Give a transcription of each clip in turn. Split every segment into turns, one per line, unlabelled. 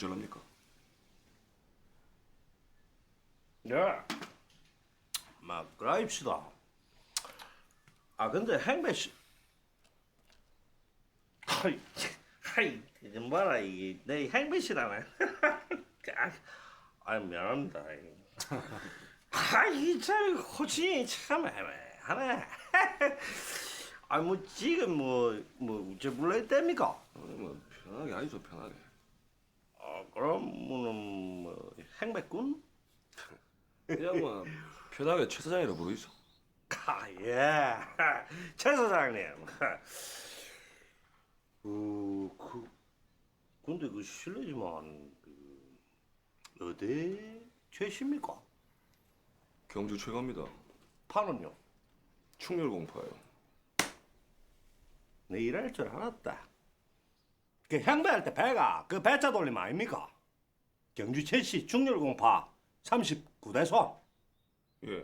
어쩔랍니까?
네. 막 그라입시다. 아 근데 행배 씨, 하이 좀 봐라 이게 내 행배 씨라네. 아 미안합니다. 아이 참 호칭이 참 애매하네. 아뭐 지금 뭐 어째 불러야 됩니까?
뭐 편하게 아니죠, 편하게.
그러면은 뭐 행배꾼?
그냥 뭐 편하게 최 사장이라 부르이소.
예, 최 사장님. 근데 그 실례지만 어디 최십니까?
경주 최고입니다.
파는요?
충렬공파예요.
내 일할 줄 알았다. 그 향배할 때 배가 그 배차 돌림 아닙니까? 경주 최씨 중렬공파 39대손.
예.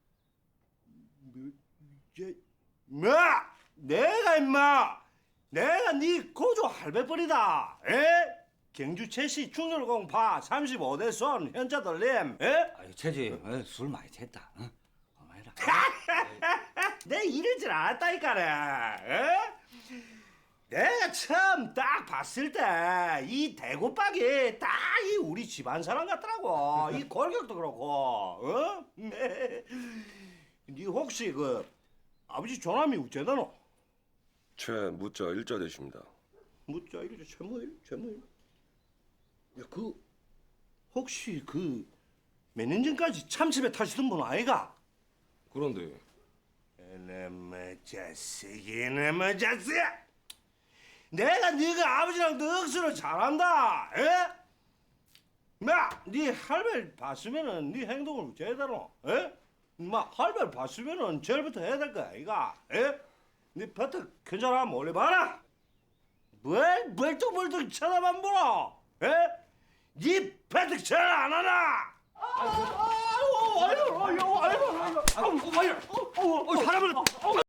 뭐? 내가 내가 네 고조 할배벌이다. 에? 경주 최씨 충렬공파 35대손 현자 돌림. 에?
아유, 최지, 술 많이 챘다. 응? 고마해라.
내 이럴 줄 알았다니까네. 에? 내가 처음 딱 봤을 때 이 대구박이 딱 이 우리 집안 사람 같더라고. 이 골격도 그렇고. 어? 네 혹시 그 아버지 조남이 우째다노?
최 무자 일자 되십니다.
묻자 이러죠. 최무일. 야, 그 혹시 그 몇 년 전까지 참치배 타시던 분 아이가?
그런데
이놈의 자식, 이놈의 자식! 내가 네가 아버지랑 넋으로 잘한다. 에? 네 할배를 봤으면은 네 행동을 제대로, 에? 할배를 봤으면은 제일부터 해야 될 거야, 이가. 에? 네 버터 괜찮아 몰래 봐라. 뭘 멀뚱멀뚱 쳐다만 보라. 에? 네 버터 전화 안 하나? 아유, 사람을